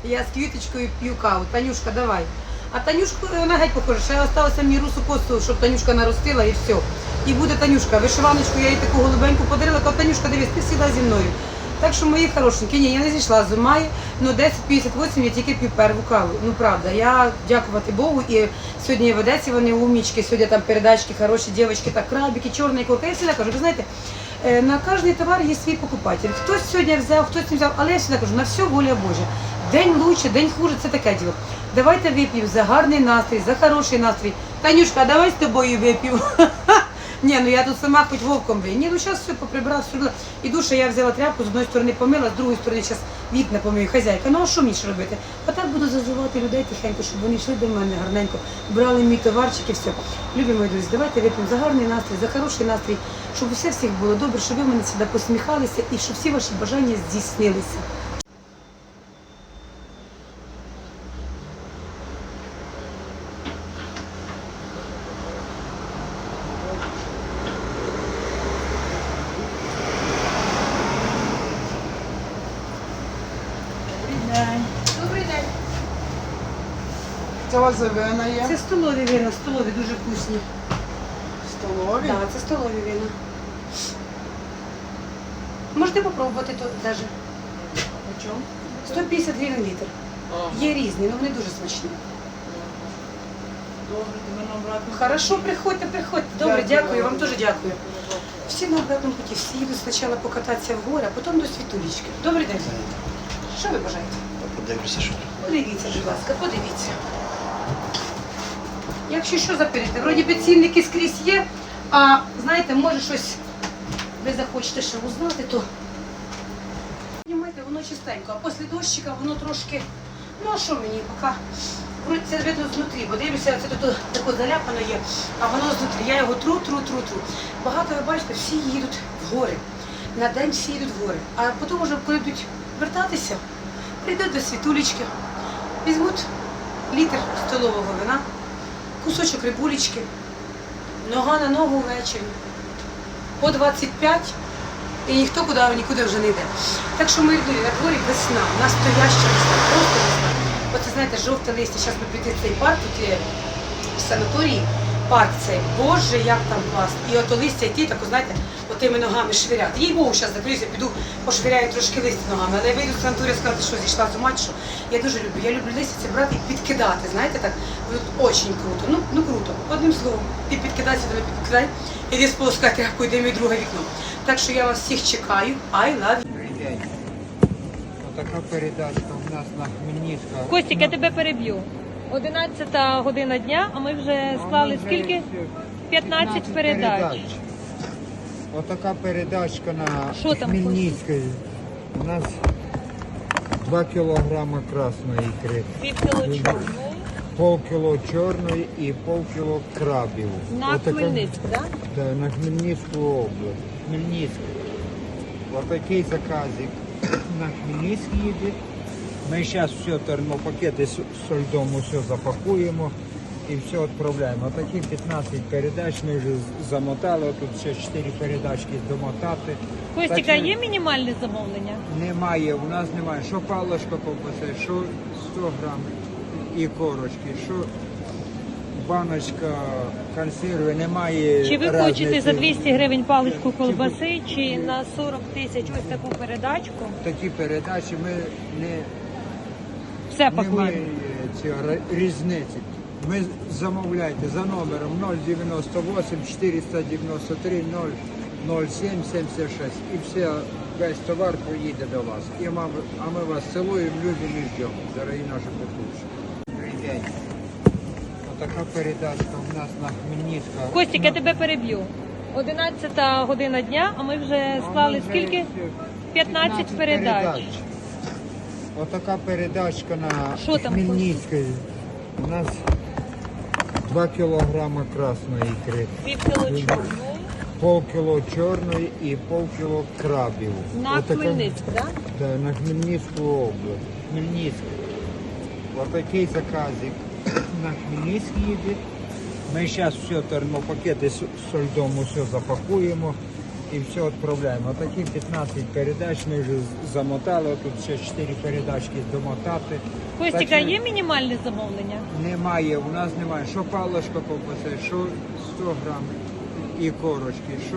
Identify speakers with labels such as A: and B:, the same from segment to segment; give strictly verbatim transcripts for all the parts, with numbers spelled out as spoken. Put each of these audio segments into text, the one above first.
A: Я з квіточкою п'ю каву. Танюшка, давай. А Танюшку, вона геть похожа, ще залишилося мені русу косу, щоб Танюшка наростила і все. І буде Танюшка. Вишиваночку я їй таку голубеньку подарила, кажу, Танюшка, дивись, ти завжди зі мною. Так що мої хорошенькі, ні, я не зійшла з ума, але десять п'ятдесят вісім я тільки п'ю перву каву. Ну правда, я дякувати Богу, і сьогодні в Одесі вони умнічки, сьогодні там передачки, хороші дівчатки, так крабики, чорний курка. Я завжди кажу, ви знаєте, на кожний товар є свій покупатель. Хтось сьогодні взяв, хтось не взяв, але я завжди кажу, на все воля Божа. День лучше, день хуже, це таке діло. Давайте вип'ємо за гарний настрій, за хороший настрій. Танюшка, давай з тобою вип'ємо. Ні, ну я тут сама хоч вовком бий. Ні, ну зараз все поприбрала, все. Іду, що я взяла тряпку, з одної сторони помила, з другої сторони зараз вікна помию, хазяйка. Ну а що мені ж робити? А так буду зазивати людей тихенько, щоб вони йшли до мене гарненько, брали мій товарчик і все. Любі мої друзі, давайте вип'ємо за гарний настрій, за хороший настрій, щоб усе всіх було добре, щоб ви мене сюди посміхалися і щоб всі ваші бажання здійснилися. Добрий день.
B: Це у вас вина є?
A: Це столові вина, столові, дуже вкусні.
B: Столові?
A: Так, це столові вина. Можете попробувати то навіть.
B: По чому?
A: сто п'ятдесят гривень літр.
B: Ага.
A: Є різні, але вони дуже смачні.
B: Добре, тебе на обратно.
A: Хорошо, приходьте, приходьте. Добре,
B: Дякую.
A: дякую, вам теж дякую. Всі на обратному путі, всі їдуть спочатку покататися в гори, а потім до Світулічки. Добрий день. Що ви бажаєте?
C: Подивлюся, що тут.
A: Подивіться, будь ласка, подивіться. Якщо що заперете, вроді би цінники скрізь є, а знаєте, може щось ви захочете ще узнати, то знімайте, воно чистенько, а після дощика воно трошки, ну а що мені, поки, вроді це видно знутрі, бо дивлюся, це тут таке заляпано є, а воно знутрі, я його тру, тру, тру, тру. Багато, ви бачите, всі їдуть в гори, на день всі їдуть в гори, а потім вже, коли будуть вертатися, прийдуть до Світулечки, візьмуть літр столового вина, кусочок рибулечки, нога на ногу ввечері, по двадцять п'ять, і ніхто куди, нікуди вже не йде. Так що ми йдемо, на дворі весна, настояща весна, просто весна. Оце, знаєте, жовте листя, зараз ми прийти в цей парк, тут є в санаторії, парк цей, боже, як там класно. І ото листя йти, так, знаєте, отими ногами швиряти. Їй Богу, зараз закриюся, піду, пошвиряю трошки листя ногами, але я вийду з санаторію сказати, що зійшла з ума, що я дуже люблю. Я люблю листя це брати і підкидати, знаєте, так, дуже круто, ну, ну круто. Одним словом, ти підкидайся, ти не підкидай, іди сполоскай тряпку, йди мій друге вікно. Так що я вас всіх чекаю, I love you.
C: Отака передачка у нас на Хмельницького.
D: Костік, я тебе переб'ю. одинадцята година дня, а ми вже склали скільки? п'ятнадцять передач.
C: Отака передачка на
D: Що там,
C: Хмельницькій. У нас два кілограма красної ікри,
D: Пів кіло чорної.
C: полкіло чорної і полкіло крабів.
D: На
C: Отака-
D: Хмельницьк, так?
C: Да, на Хмельницьку область. Хмельницьк. Отакий заказик на Хмельницьк їде. Ми зараз все термопакети з з льдом все запакуємо і все відправляємо. Отакі п'ятнадцять передач ми вже замотали, тут ще чотири передачки домотати.
D: Костіка,
C: Так що
D: є мінімальне замовлення?
C: Немає, у нас немає. Що паличка ковбаси, що сто грам і корочки, що баночка консерви, немає.
D: Чи ви
C: разниці.
D: хочете за двісті гривень паличку колбаси, чи на сорок тисяч ось таку передачку?
C: Такі передачі ми не
D: Все
C: немає
D: пакуємо.
C: цього різниці. Ми замовляйте за номером нуль дев'яносто вісім чотириста дев'яносто три нуль нуль сім сімдесят шість. І все, весь товар поїде до вас. І ми, а ми вас цілуємо, любимо і ждемо, дорогі наші покупці. Отака передачка у нас на Хмельницького.
D: Костік, я тебе переб'ю. одинадцята година дня, а ми вже склали скільки? п'ятнадцять передач.
C: Отака передачка на
D: Що там,
C: Хмельницькій. У нас два кілограма красної ікри,
D: Пів кіло чорної.
C: полкіло чорної і полкіло крабів.
D: На
C: Отака-
D: Хмельницьк, так?
C: Да, на Хмельницьку область. Хмельницьк. Отакий заказик на Хмельницьк їде. Ми зараз все термопакети з з льдом все запакуємо і все відправляємо. Отакі п'ятнадцять передач ми вже замотали, тут ще чотири передачки домотати.
D: Костіка,
C: Так що
D: є мінімальне замовлення?
C: Немає, у нас немає. Що паличка ковбаси, що сто грам і корочки, що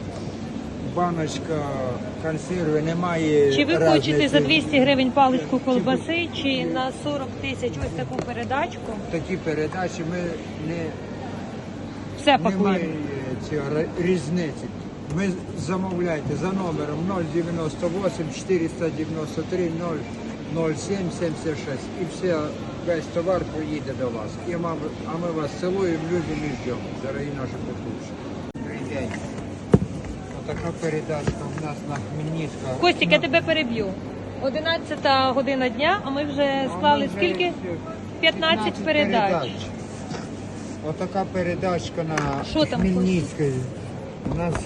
C: баночка консерви, немає.
D: Чи ви
C: разниці.
D: хочете за двісті гривень паличку колбаси, чи на сорок тисяч ось таку передачку?
C: Такі передачі ми не
D: Все
C: немає
D: пакуємо.
C: цього різниці. Ми замовляйте за номером нуль дев'яносто вісім чотириста дев'яносто три нуль нуль сім сімдесят шість. І все, весь товар поїде до вас. І ми, а ми вас цілуємо, любимо і ждемо, дорогі наші покупці. Добрий день. Отака передачка у нас на Хмельницька.
D: Костік, я тебе переб'ю. одинадцята година дня, а ми вже склали скільки? п'ятнадцять передач.
C: Отака передачка на
D: Що там,
C: Хмельницькій. У нас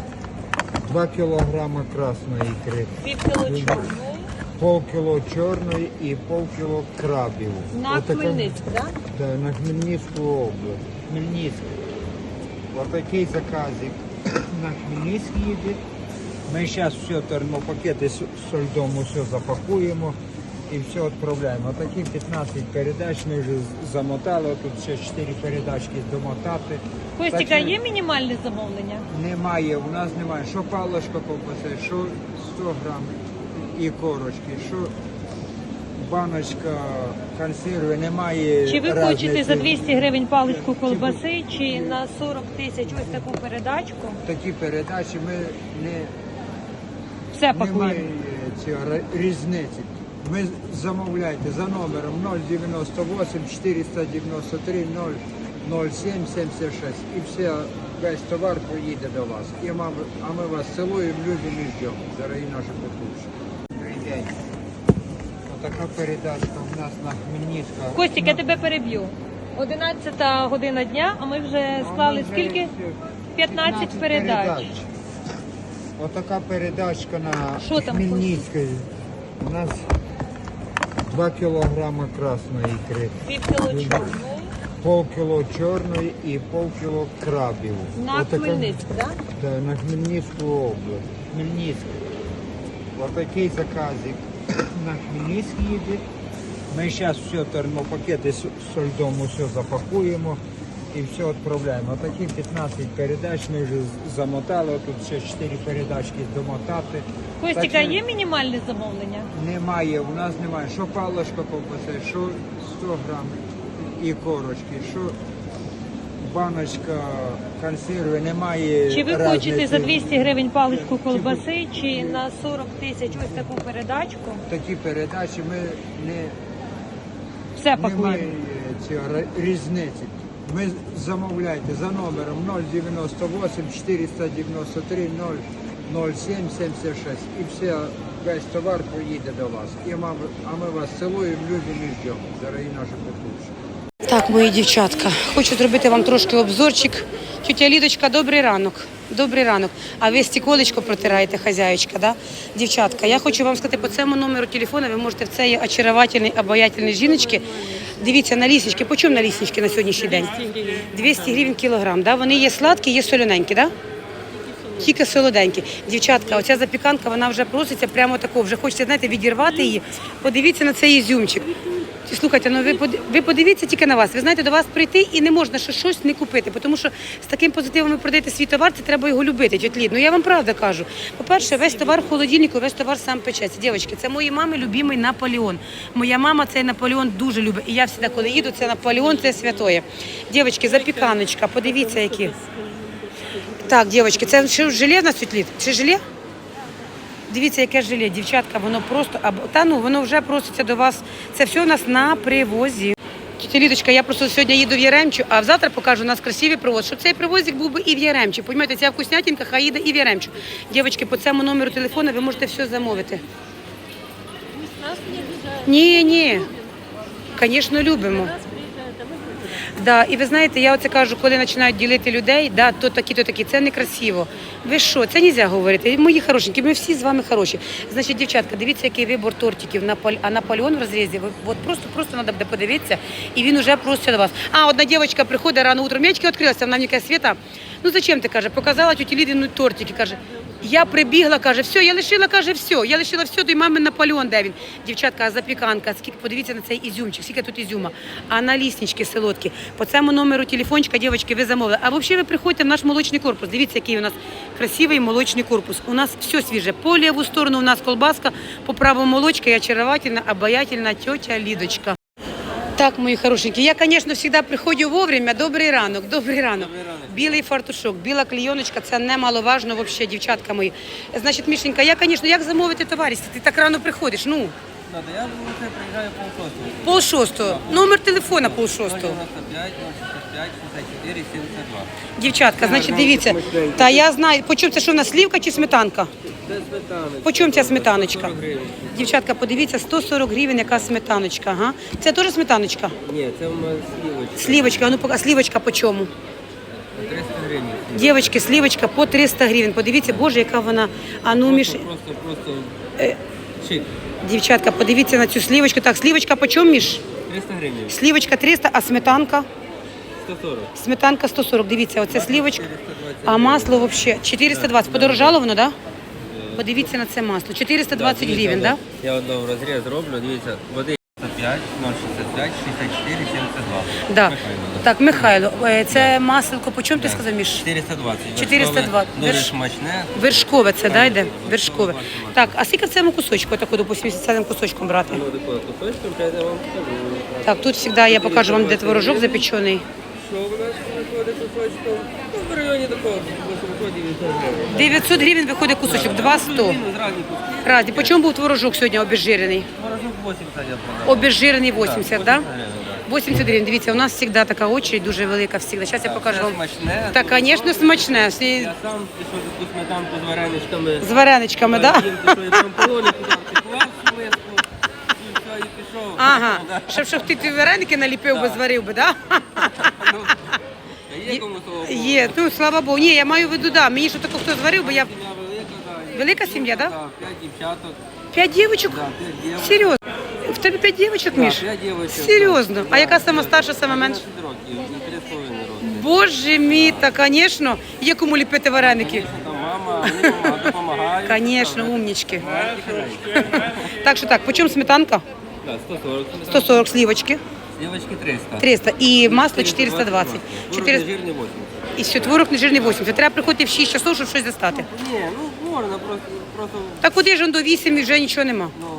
C: два кілограми красної ікри,
D: Пів кіло чорної.
C: полкіло чорної і полкіло крабів.
D: На
C: Отака-
D: Хмельницьк, так?
C: Да, на Хмельницьку область. Хмельницьк. Отакий заказик на Хмельницьк їде. Ми зараз все термопакети з з льдом все запакуємо і все відправляємо. Отакі п'ятнадцять передач ми вже замотали, тут ще чотири передачки домотати.
D: Костіка,
C: Так що
D: є мінімальне замовлення?
C: Немає, у нас немає. Що паличка ковбаси, що сто грам і корочки, що баночка консерви, немає.
D: Чи ви
C: разниці.
D: хочете за двісті гривень паличку колбаси, чи на сорок тисяч ось таку передачку?
C: Такі передачі ми не
D: Все
C: немає
D: пакуємо.
C: цього різниці. Ми замовляйте за номером нуль дев'яносто вісім чотириста дев'яносто три нуль нуль сім сімдесят шість. І все, весь товар поїде до вас. І ми, а ми вас цілуємо, любимо і ждемо, дорогі наші покупці. Добрий день. Отака передачка у нас на Хмельницька.
D: Костік, я тебе переб'ю. одинадцята година дня, а ми вже склали скільки? п'ятнадцять передач.
C: Отака передачка на
D: Що там,
C: Хмельницькій. У нас два кілограми красної ікри,
D: Пів кіло чорної.
C: полкіло чорної і полкіло крабів.
D: На
C: Отака-
D: Хмельницьк, так?
C: Да, на Хмельницьку область. Хмельницьк. Отакий заказик на Хмельницьк їде. Ми зараз все термопакети з з льдом все запакуємо і все відправляємо. Отакі п'ятнадцять передач ми вже замотали, тут ще чотири передачки домотати.
D: Костіка,
C: Так що
D: є мінімальне замовлення?
C: Немає, у нас немає. Що паличка ковбаси, що сто грам і корочки, що баночка консерви, немає.
D: Чи ви
C: разниці.
D: хочете за двісті гривень паличку колбаси, чи на сорок тисяч ось таку передачку?
C: Такі передачі ми не
D: Все
C: немає
D: пакуємо.
C: цього різниці. Ми замовляйте за номером нуль дев'яносто вісім чотириста дев'яносто три нуль нуль сім сімдесят шість. І все, весь товар поїде до вас. І ми, а ми вас цілуємо, любимо і ждемо, дорогі наші покупці.
A: Так, мої дівчатка, хочу зробити вам трошки обзорчик. Тетя Лідочка, добрий ранок. Добрий ранок. А ви стіколечко протираєте, хазяєчка, да? Дівчатка, я хочу вам сказати, по цьому номеру телефону ви можете в цієї очаровательної, обаятельної жіночки. Дивіться, на ліснички. По чому на ліснички на сьогоднішній день? двісті гривень кілограм, да? Вони є сладкі, є солоненькі, да? Тільки солоденькі. Дівчатка, оця запіканка, вона вже проситься прямо тако, вже хочеться, знаєте, відірвати її. Подивіться на цей ізюмчик. Слухайте, ну ви под- ви подивіться тільки на вас. Ви знаєте, до вас прийти і не можна що щось не купити, тому що з таким позитивом ви продаєте свій товар, це треба його любити, тьоть Лід. Ну я вам правда кажу. По-перше, весь товар в холодильнику, весь товар сам печеться. Дівчатки, це моїй мами любимий Наполеон. Моя мама цей Наполеон дуже любить. І я завжди, коли їду, це Наполеон, це святоє. Дівчатки, запіканочка, подивіться, які. Так, дівчатки, це що, желе в нас, тьоть Лід? Це желе? Дивіться, яке желе, дівчатка, воно просто, або та ну, воно вже проситься до вас. Це все у нас на привозі. Тетя Лідочка, я просто сьогодні їду в Яремчу, а завтра покажу у нас красивий привоз, щоб цей привозик був би і в Яремчі. Понімаєте, ця вкуснятинка хай їде і в Яремчу. Дівчатки, по цьому номеру телефону ви можете все замовити. Ні, ні. Звісно, любимо. Да, і ви знаєте, я оце кажу, коли починають ділити людей, да, то такі, то такі, це некрасиво. Ви що, це не можна говорити. Мої хорошенькі, ми всі з вами хороші. Значить, дівчатка, дивіться, який вибор тортиків. Наполь... А Наполеон в розрізі, ви- от просто, просто треба буде подивитися, і він уже просить до вас. А, одна дівчинка приходить рано утром, м'ячки відкрилися, вона мені каже, Свята, ну зачем ти, каже, показала тіті Лідину тортики, каже. Я прибігла, каже, все, я лишила, каже, все. Я лишила все, то й мамин Наполеон, де він. Дівчатка, а запіканка, скільки, подивіться на цей ізюмчик, скільки тут ізюма. А на ліснички солодкі. По цьому номеру телефончика, дівчатки, ви замовили. А взагалі ви приходьте в наш молочний корпус. Дивіться, який у нас красивий молочний корпус. У нас все свіже. По ліву сторону у нас колбаска, по праву молочка і очаровательна, обаятельна тетя Лідочка. Так, мої хорошенькі, я, звісно, завжди приходжу вовремя. Добрий ранок, добрий ранок. Білий фартушок, біла клейоночка, це немаловажно взагалі, дівчатка мої. Значить, Мішенька, я, звісно, як замовити товариші? Ти так рано приходиш, ну.
E: Надо, я вже приїжджаю полшостого.
A: Пол шостого. Номер телефона пол шостого.
E: дев'яносто п'ять, шістдесят п'ять, шістдесят чотири, сімдесят два.
A: Дівчатка, значить, дивіться. Та я знаю, по чому це, що в нас слівка чи сметанка?
E: Це сметаночка.
A: По чому ця сметаночка?
E: сто сорок гривень.
A: Дівчатка, подивіться, сто сорок гривень, яка сметаночка. Ага. Це теж сметаночка?
E: Ні, це у мене слівочка.
A: Слівочка, а ну пока, слівочка по чому?
E: триста гривень.
A: Дівчатки, слівочка по триста гривень. Подивіться, боже, яка вона. А ну, Міш...
E: Просто, просто, просто
A: Е.
E: шик.
A: Дівчатка, подивіться на цю слівочку. Так, слівочка по чому, Міш?
E: триста гривень.
A: Слівочка триста, а сметанка?
E: сто сорок.
A: Сметанка сто сорок. Дивіться, оце слівочка. А масло взагалі чотириста двадцять. Подорожало воно, так? Да? Подивіться на це масло. чотириста двадцять гривень, так?
E: Я одного розріз зроблю, дивіться, води п'ять, ноль шістдесят п'ять, шістдесят чотири, сімдесят два.
A: Да? Да.
E: Михайло, да.
A: Так, Михайло, е, це масло, по чому ти сказав, Міш?
E: чотириста двадцять.
A: чотириста двадцять.
E: Дуже
A: Верш-
E: смачне.
A: Вершкове це, да, йде?
E: Вершкове,
A: Вершкове.
E: вершкове.
A: Так, а скільки в цьому кусочку, таку, допустим, цим кусочком брати?
E: Ну, такою кусочком, я вам покажу.
A: Так, тут завжди я покажу вам, де творожок запечений.
E: Що у нас виходить кусочком? Ну, в районі такого високо дев'ятсот гривень.
A: дев'ятсот гривень виходить кусочок, два сто.
E: Мінус разні куски.
A: Разі. По чому був творожок сьогодні обезжирений?
E: Морозок вісімдесят я продав.
A: Обезжирений вісімдесят, так?
E: вісімдесят гривень, да.
A: вісімдесят гривень. Дивіться, у нас завжди така очередь дуже велика завжди. Зараз я покажу
E: Це
A: вам.
E: смачне.
A: Так, звісно, смачне. Всі
E: Я сам пішов таку сметанку з вареничками.
A: з вареничками, так?
E: Їм пішов, я там полони туди втекла в миску. І все, і пішов.
A: Ага,
E: Да.
A: щоб, щоб ти ті вареники наліпив би, зварив би, так?
E: Ну, Є кому того Богу.
A: Є, ну слава Богу. Ні, я маю в виду, да. Мені що таке хто зварив, бо я.
E: Сім'я велика, да. і-
A: Велика сім'я, да?
E: Да, п'ять дівчаток.
A: П'ять дівчинок?
E: Да, п'ять дівчаток.
A: Серйозно? В тебе п'ять дівчинок,
E: Да,
A: Міш?
E: п'ять дівчаток.
A: Серйозно? А
E: Да.
A: яка сама старша, сама менша?
E: одинадцять років, і три з половиною роки.
A: Боже мій, та, звісно, є кому ліпити вареники.
E: Звісно, там мама, вони допомагають, допомагають.
A: Звісно, умнічки.
E: Маленькі хазяйки.
A: Так що так, по чому сметанка?
E: Да, сто сорок.
A: сто сорок сливочки,
E: Дівчатки триста.
A: триста. І масло чотириста двадцять. чотириста.
E: Жирний вісімдесят.
A: І все, творог нежирний вісімдесят. Треба приходити в шість часов, щоб щось достати.
E: Ні, ну можна, просто, просто,
A: Так куди ж он до вісім і вже нічого нема.
E: ну,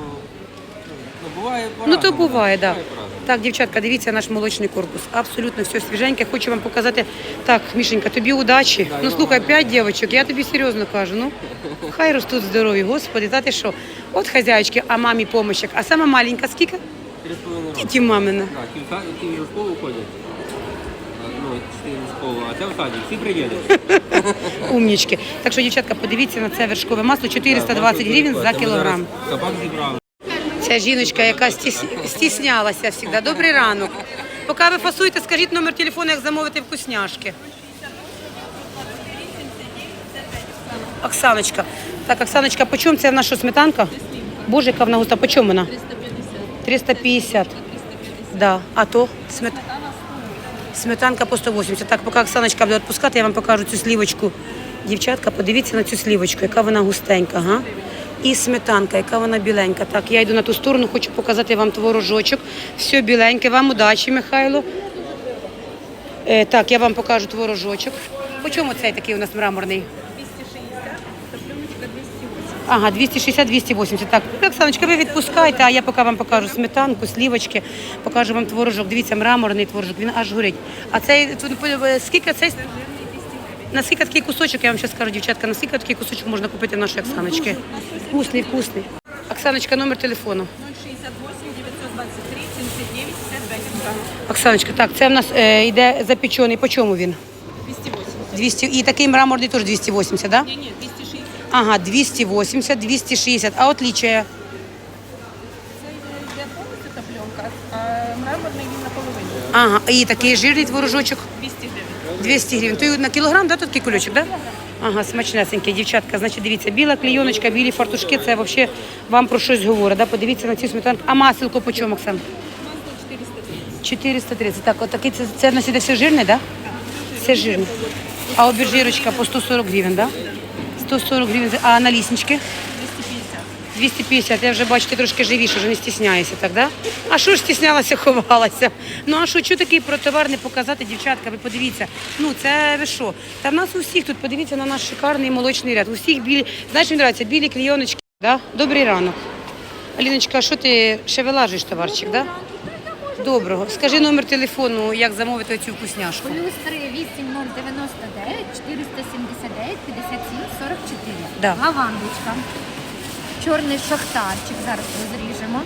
E: ну буває
A: Ну
E: по-разному.
A: то буває, так. Да.
E: по-разному.
A: Так, дівчатка, дивіться наш молочний корпус. Абсолютно все свіженьке. Хочу вам показати. Так, Мішенька, тобі удачі.
E: Да,
A: Ну
E: я
A: слухай,
E: вам.
A: п'ять дівчаток, я тобі серйозно кажу. Ну, хай ростуть здорові, господи, та ти що? От хазяєчки, а мамі помощик. А сама маленька скільки?
E: Три з половиною роки.
A: Ті мамина.
E: Так, ті в са- ті вже в школу ходять. А, Ну, чотири в школу, а це в садик. Всі приїдуть.
A: Умнічки. Так що, дівчатка, подивіться на це вершкове масло чотириста двадцять гривень за кілограм.
E: Кабак зібрали.
A: Ця жіночка, яка стіс... стіснялася завжди. Добрий ранок. Поки ви фасуєте, скажіть номер телефону, як замовити вкусняшки. Оксаночка. Так, Оксаночка, по чому це в нас що, сметанка? Боже, яка вона густа. По чому вона? триста п'ятдесят. Да. А то? Смет... Сметанка по сто вісімдесят. Так, поки Оксаночка буде відпускати, я вам покажу цю слівочку. Дівчатка, подивіться на цю слівочку, яка вона густенька. Ага. І сметанка, яка вона біленька. Так, я йду на ту сторону, хочу показати вам творожочок. Все біленьке. Вам удачі, Михайло. Е, так, я вам покажу творожочок. По чому цей такий у нас мраморний? Ага, двісті шістдесят - двісті вісімдесят. Так, Оксаночка, ви відпускайте, а я поки вам покажу сметанку, слівочки, покажу вам творожок. Дивіться, мраморний творожок, він аж горить. А цей, тут, е, скільки цей? Наскільки такий кусочок, я вам зараз скажу, дівчатка, наскільки такий кусочок можна купити в нашої Оксаночки? Вкусний, вкусний. Оксаночка, номер телефону.
B: шістдесят вісім дев'ятсот двадцять три сімдесят дев'ять п'ятдесят п'ять.
A: Оксаночка, так, це в нас е, йде запечений. По чому він?
B: двісті вісімдесят.
A: двісті. І такий мраморний теж двісті вісімдесят, так? Да?
B: Ні, ні, двісті шістдесят.
A: Ага, двісті вісімдесят, двісті шістдесят. А отличие?
B: Це йде повністю та пленка, а мраморний він наполовину.
A: Ага, і такий жирний творожочок.
B: двісті гривень.
A: двісті гривень. То й на кілограм, да, тут такий кульочок, да? Ага, смачнесенький, дівчатка. Значить, дивіться, біла клейоночка, білі фартушки, це взагалі вам про щось говорить, да? Подивіться на цю сметанку. А маселко по чому, Оксан?
B: Масло чотириста тридцять.
A: чотириста тридцять. Так, от такий, це, це в нас іде все жирне, да? Все жирне. А обезжирочка по сто сорок гривень, да? сто сорок гривень. А наліснички?
B: двісті п'ятдесят.
A: двісті п'ятдесят. Я вже бачу, ти трошки живіше, вже не стісняєшся, так, да? А що ж стіснялася, ховалася? Ну, а що, що такий про товар не показати, дівчатка? Ви подивіться. Ну, це ви що? Та в нас у всіх тут, подивіться на наш шикарний молочний ряд. У всіх білі, знаєш, мені подобається, білі клійоночки, да? Добрий ранок. Аліночка, а що ти ще вилажуєш товарчик, да? Доброго. Скажи номер телефону, як замовити цю вкусняшку.
F: Плюс три вісім ноль дев'яносто дев'ять чотириста сімдесят дев'ять п'ятдесят сім сорок чотири.
A: Да.
F: Лавандочка. Чорний шахтарчик. Зараз розріжемо.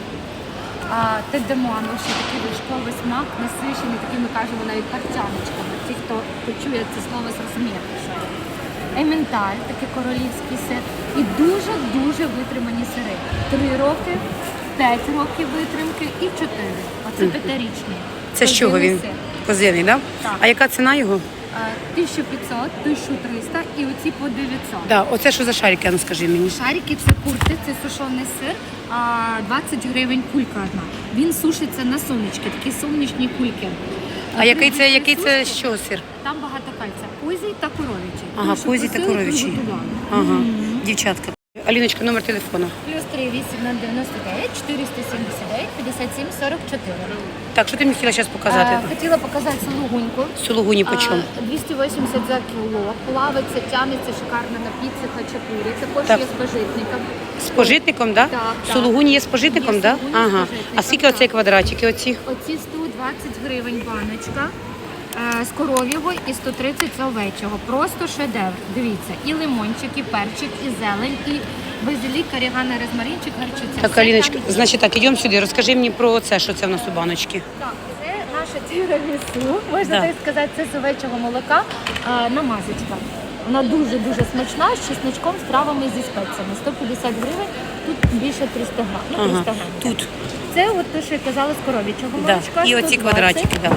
F: А, Тедемон, ще такий вишковий смак, насичений, такий ми кажемо навіть парцяночками. Ті, хто почує це слово, зрозуміє. що є. Ементаль, такий королівський сир. І дуже-дуже витримані сири. Три роки, п'ять років витримки і чотири. Оце п'ятирічний.
A: Це з чого він?
F: Козиний сир.
A: Козиний, да?
F: Так.
A: А яка ціна його?
F: А, тисяча п'ятсот, тисяча триста і оці по дев'ятсот.
A: Да, оце що за шарики, ну скажи мені.
F: Шарики це курти, це сушений сир, а, двадцять гривень кулька одна. Він сушиться на сонечки, такі сонячні кульки.
A: А який це,
F: При
A: який це
F: сушці
A: з чого сир?
F: Там багато кальця. Козій та коров'ячий.
A: Ага,
F: Тому що
A: козій та
F: просили,
A: коров'ячий.
F: приготували.
A: Ага, дівчатка. Аліночка, номер телефону.
F: Плюс три вісім ноль дев'яносто дев'ять чотириста сімдесят дев'ять п'ятдесят сім сорок чотири.
A: Так, що ти мені хотіла зараз показати?
F: А, хотіла показати сулугуньку.
A: Сулугуні по чому?
F: А, двісті вісімдесят за кіло. Плавиться, тянеться шикарно на піці, хачапурі. Також
A: Так.
F: є з пожитником.
A: З пожитником, да?
F: Так, так.
A: Сулугуні є з пожитником,
F: Є
A: да?
F: сулугуні з
A: Ага.
F: пожитником,
A: А скільки оцей
F: так.
A: квадратики оці?
F: Оці сто двадцять гривень баночка. е, З коров'ього і сто тридцять з овечого. Просто шедевр. Дивіться, і лимончик, і перчик, і зелень, і базилік, орігано, розмаринчик, гарчиця.
A: Так,
F: Все
A: Аліночка,
F: там є.
A: значить так, ідемо сюди. Розкажи мені про це, що це в нас у баночці.
F: Так, це наше тірамісу, можна
A: Да.
F: так сказати, це з овечого молока а, намазочка. Вона дуже-дуже смачна, з чесночком, з травами зі спеціями. сто п'ятдесят гривень, тут більше триста грам. Ну, триста
A: Ага.
F: грам.
A: Тут.
F: Це от те, що я казала, з коров'ячого
A: Да.
F: молочка.
A: І оці
F: сто двадцять.
A: квадратики, да.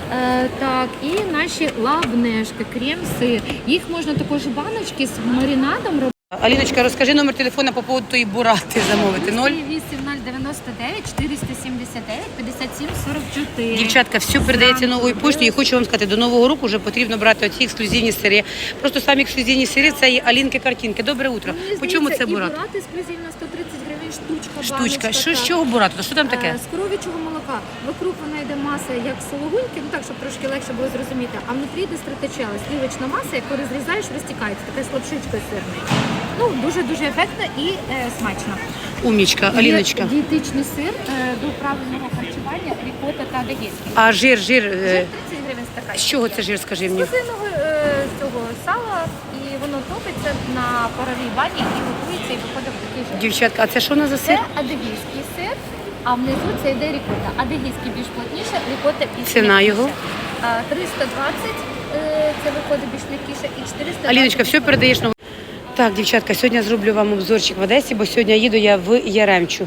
F: Е, так, і наші лавнешки, крем-сир. Їх можна також баночки з маринадом робити.
A: Аліночка, розкажи номер телефону по поводу тої бурати замовити. Ноль.
F: вісім ноль дев'яносто дев'ять чотириста сімдесят дев'ять п'ятдесят сім сорок чотири.
A: Дівчатка, все передається новою поштою. І хочу вам сказати, до Нового року вже потрібно брати оці ексклюзивні сири. Просто самі ексклюзивні сири це є Алінки-картинки. Добре утро. По чому це бурат?
F: І бурат ексклюзивно сто тридцять гривень штучка,
A: Штучка.
F: баночка,
A: Що з
F: так.
A: чого бурати? То що там таке?
F: Е, З коров'ячого молока. Вокруг вона йде маса, як сологуньки, ну так, щоб трошки легше було зрозуміти. А внутрі йде стратечела, слівочна маса, яку розрізаєш, розтікається, така слабшичка сирний. Ну, дуже-дуже ефектно і е, смачно.
A: Умнічка, Аліночка.
F: Є дієтичний сир е, до правильного харчування, рікота та адегейський.
A: А жир, жир.
F: Жир
A: е,
F: тридцять гривень стакан.
A: З чого це жир, скажи
F: З
A: мені?
F: козиного е, цього сала, і воно топиться на паровій бані і готується, і виходить в такий жир.
A: Дівчатка, а це що у нас за
F: Це
A: сир?
F: адегійський сир, а внизу це йде рікота. Адегійський більш плотніше, рікота більш
A: Ціна
F: м'якіша.
A: його?
F: А, триста двадцять е, це виходить більш м'якіше, і чотириста двадцять.
A: Аліночка, все передаєш на. Так, дівчатка, сьогодні я зроблю вам обзорчик в Одесі, бо сьогодні їду я в Яремчу.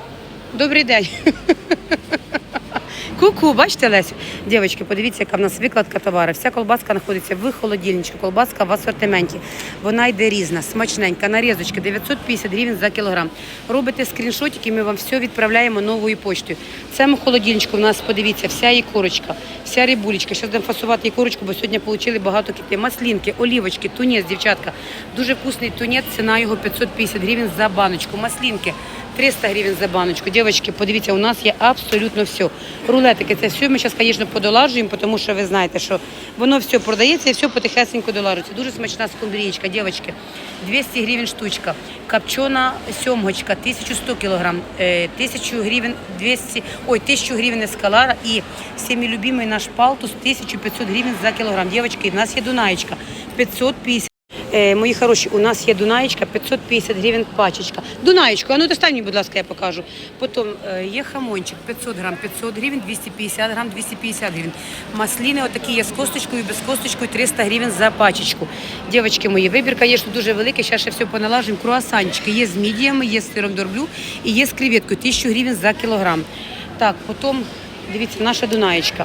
A: Добрий день. Ку-ку, бачите, Лесю? Дівчатки, подивіться, яка в нас викладка товару. Вся колбаска знаходиться в холодильничку, колбаска в асортименті. Вона йде різна, смачненька, нарізочки, дев'ятсот п'ятдесят гривень за кілограм. Робите скріншотики, ми вам все відправляємо новою поштою. В цьому холодильничку в нас, подивіться, вся її корочка, вся рибулечка. Зараз будемо фасувати її корочку, бо сьогодні отримали багато кітей. Маслінки, олівочки, тунець, дівчатка. Дуже вкусний тунець, ціна його п'ятсот п'ятдесят гривень за баночку. Маслінки триста гривень за баночку. Дівчатки, подивіться, у нас є абсолютно все. Рулетики, це все ми зараз, звісно, подолажуємо, тому що ви знаєте, що воно все продається і все потихесенько долажується. Дуже смачна скумбрієчка, дівчатки. двісті гривень штучка. Копчена сьомгочка, тисяча сто кілограм, тисячу гривень, двісті, ой, тисячу гривень ескалара і всіми любимий наш палтус, тисяча п'ятсот гривень за кілограм. Дівчатки, в нас є дунаєчка, п'ятсот п'ятдесят. Е, мої хороші, у нас є дунаєчка, п'ятсот п'ятдесят гривень пачечка. Дунаєчку, а ну достань мені, будь ласка, я покажу. Потім е, є хамончик, п'ятсот грам, п'ятсот гривень, двісті п'ятдесят грам, двісті п'ятдесят гривень. Масліни отакі є з косточкою, без косточкою, триста гривень за пачечку. Дівчатки мої, вибір, звісно, дуже великий, зараз ще все поналажимо. Круасанчики є з мідіями, є з сиром дорблю і є з креветкою, тисячу гривень за кілограм. Так, потім, дивіться, наша дунаєчка.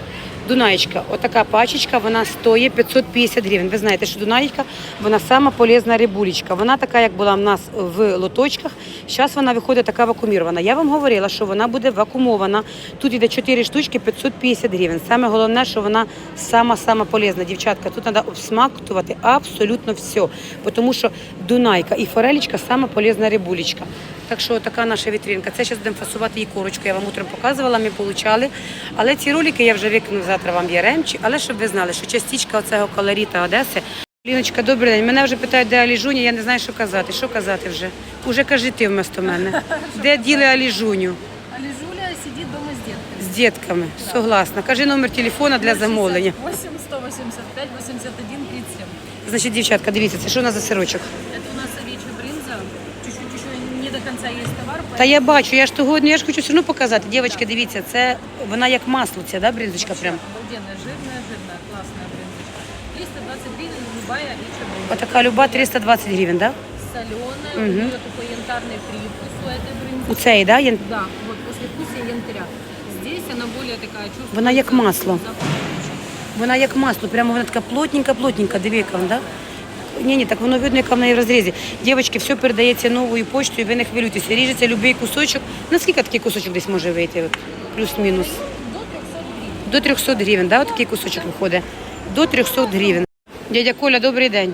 A: Дунаєчка, отака пачечка, вона стоїть п'ятсот п'ятдесят гривень. Ви знаєте, що Дунаєчка, вона сама полезна рибулечка. Вона така, як була в нас в лоточках. Зараз вона виходить така вакуумірована. Я вам говорила, що вона буде вакуумована. Тут йде чотири штучки, п'ятсот п'ятдесят гривень. Саме головне, що вона сама-сама полезна. Дівчатка, тут треба обсмактувати абсолютно все. Тому що Дунайка і форелечка сама полезна рибулечка. Так що така наша вітринка. Це зараз будемо фасувати її корочку. Я вам утром показувала, ми получали. Але ці ролики я вже викину завтра вам в Яремчі. Але щоб ви знали, що частичка оцього колоріта Одеси. Ліночка, добрий день. Мене вже питають, де Аліжуня, я не знаю, що казати. Що казати вже? Уже кажи ти вместо мене. Де діли Аліжуню?
B: Алижуля сидит дома с детками.
A: З дітками. Согласна. Кажи номер телефона для замовлення.
B: восемь сто восемьдесят пять восемьдесят один тридцать семь.
A: Значить, дівчатка, дивіться, це що у нас за сирочок?
B: Это у нас овечья брынза. Чуть-чуть еще не до конца есть товар.
A: Та я бачу, я ж того, ну я ж хочу все одно показати. Дівчатки, дивіться, це вона як масло, ця, да, бринзочка прям?
B: Обалденная, жирная, жирная, классная брынзочка. триста двадцать гривен любая овечья брынза.
A: Отака люба триста двадцять гривень, да?
B: Соленая,
A: Мгм.
B: у нее такой янтарный привкус у этой брынзы.
A: У цей, да? Є-
B: Да, вот после вкуса янтаря. Здесь она более такая чувствуется.
A: Вона як масло.
B: запах овечий.
A: Вона як масло, прямо вона така плотненька-плотненька, диви, яка вона, да? Ні, ні, так воно видно, яка в неї в розрізі. Дівчатки, все передається новою почтою, ви не хвилюйтеся. Ріжеться будь-який кусочок. Наскільки такий кусочок десь може вийти? От, плюс-мінус.
B: До трехсот гривен.
A: До трьохсот гривень, да? От такий кусочок виходить. До трьохсот гривень. Дядя Коля, добрий день.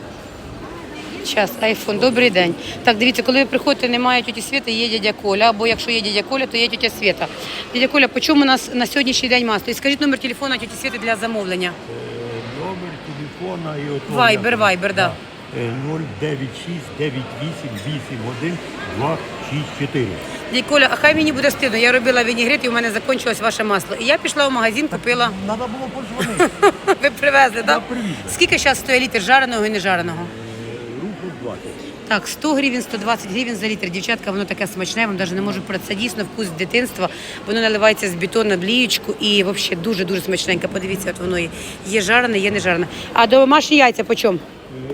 A: Час, айфон, добрий день. Так, дивіться, коли ви приходите, немає тіті Світи, є дядя Коля, або якщо є дядя Коля, то є тітя Світа. Дядя Коля, по чому у нас на сьогоднішній день масло? І скажіть номер телефону тіті Світи для замовлення.
G: Номер телефона і от
A: Вайбер, Вайбер, да.
G: нуль дев'ять шість дев'ять вісім вісім один два шість чотири.
A: Дядя Коля, а хай мені буде стидно, я робила вінігрет і у мене закінчилось ваше масло. І я пішла в магазин, купила.
G: Треба було подзвонити.
A: Ви привезли, так?
G: привіз.
A: Скільки зараз стоїть літр жареного і нежареного?
G: Руку двадцять.
A: Так, сто гривень, сто двадцять гривень за літр. Дівчатка, воно таке смачне, я вам навіть не можу про це. Дійсно вкус дитинства. Воно наливається з бетону на блієчку і взагалі дуже-дуже смачненько. Подивіться, от воно є. Є жарене, є не жарене. А домашні яйця по чому?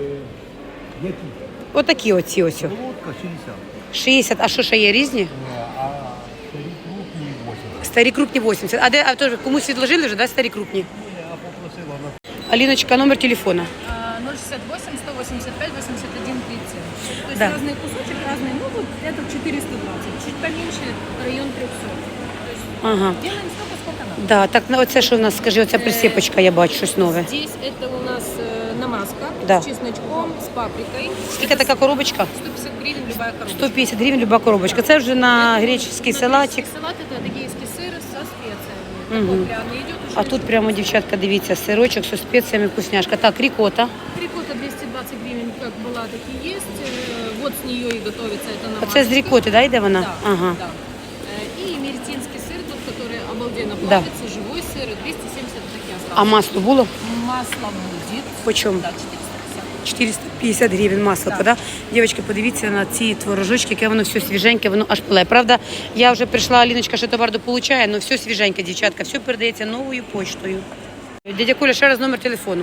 G: Які?
A: Отакі оці ось.
G: Солодка шістдесят.
A: шістдесят, а що ще є різні?
G: А старі крупні вісімдесят.
A: Старі крупні вісімдесят. А де, а то комусь відложили вже, да, старі крупні?
G: Я попросила на
A: Аліночка, номер телефона.
B: А, ноль шестьдесят восемь сто восемьдесят пять восемьдесят один тридцать семь. То есть
A: Да.
B: разные кусочек, разные. Ну вот это четыреста двадцать. Чуть поменьше район трехсот. То есть
A: Ага.
B: делаем столько, сколько надо.
A: Да, так, ну оце що в нас, скажи, оця присипочка, я бачу щось нове.
B: Здесь это у нас э, намазка
A: Да.
B: с чесночком, с паприкой.
A: Скільки така коробочка?
B: сто пятьдесят гривен любая коробочка.
A: сто п'ятдесят гривень люба коробочка. Це вже на греческий
B: На
A: салатик.
B: греческий салат это адыгейский сыр со специями.
A: Мгм.
B: Такой пряный идет уже.
A: А тут прямо, дівчатка, дивіться, сирочок зі спеціями, вкусняшка. Так, рікота.
B: Рикотта двести двадцать гривен как была, так и есть. Э, Вот с нее и готовится это намазка.
A: Оце з рікоти, да, йде вона?
B: Да,
A: Ага.
B: да. Э, И меретинский сыр, тот, который обалденно
A: Да.
B: плавится, живой сыр, двести семьдесят таки осталось.
A: А масло було?
B: Масло будет.
A: По чому?
B: Да, четыреста пятьдесят.
A: чотириста п'ятдесят гривень масло,
B: Так.
A: да? Дівчатки, подивіться на ці творожочки, яке воно все свіженьке, воно аж пиле. Правда, я вже прийшла, Аліночка ще товар дополучає, але все свіженьке, дівчатка, все передається новою почтою. Дядя Коля, ще раз номер телефону.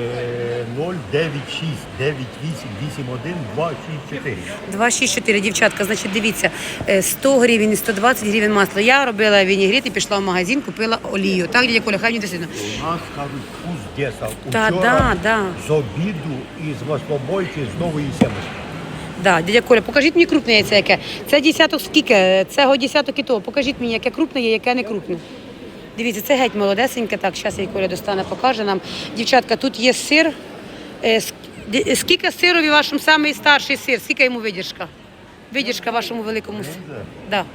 G: ноль дев'ять шість дев'ять вісім вісім один два шість чотири.
A: два шість чотири, дівчатка, значить, дивіться, е, сто гривень і сто двадцять гривень масло. Я робила вінігрет і пішла в магазин, купила олію. Так, дядя Коля, хай мені досить.
G: У нас, кажуть, вкус деса.
A: Та,
G: Учора
A: да, да.
G: з обіду і з маслобойки з нової сімочки.
A: Да, дядя Коля, покажіть мені крупне яйце яке. Це десяток скільки? Цього десяток і того. Покажіть мені, яке крупне є, яке не крупне. Дивіться, це геть молодесеньке. Так, зараз я Коля достане, покаже нам. Дівчатка, тут є сир. Е, ск- ді- Скільки сирові вашому самий старший сир? Скільки йому видержка? Видержка вашому великому сиру? Да.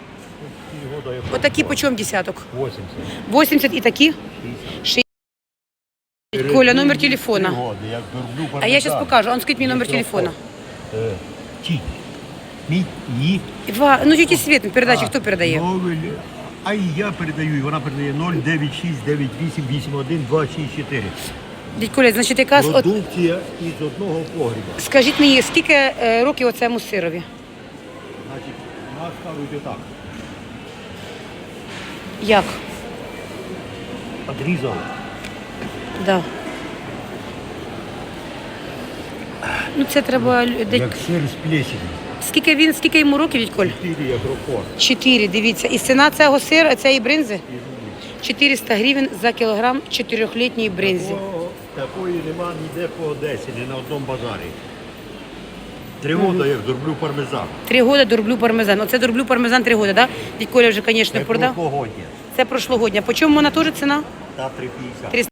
A: Отакі по чому десяток?
G: вісімдесят.
A: вісімдесят і такі? шістдесят. Коля, номер телефона.
G: Як дурблю
A: А я зараз
G: пармезан.
A: покажу. А ну скажіть мені номер
G: Мікрофон.
A: телефона.
G: Е, Ті. Мій, ї.
A: Два. Ну, тільки Світ, передачі
G: А,
A: хто передає?
G: Новель. А і я передаю, і вона передає нуль дев'ять шість дев'ять вісім вісім один два шість чотири.
A: Дядь Коля, значить, якраз от
G: Продукція із одного погріба.
A: скажіть мені, скільки е, років оцему сирові?
G: Значить, у нас кажуть отак.
A: Як?
G: Одрізав.
A: Да. Ну це треба лю- де-
G: Як сир з плесенью.
A: скільки він, скільки йому років, дядь Коль?
G: Чотири як рокор.
A: Чотири, дивіться. І ціна цього сира, цієї бринзи? чотириста гривень за кілограм чотирьохлітньої бринзі.
G: Такого- Такої нема ніде по Одесі, ні на одному базарі. Три роки як зроблю пармезан.
A: Три роки дорблю пармезан. Оце дорблю пармезан три роки, так? Да? Дядь Коля вже, звісно,
G: Це
A: продав.
G: прошлогодня.
A: Це прошлогодня. По чому вона теж ціна?
G: Та три п'ятдесят.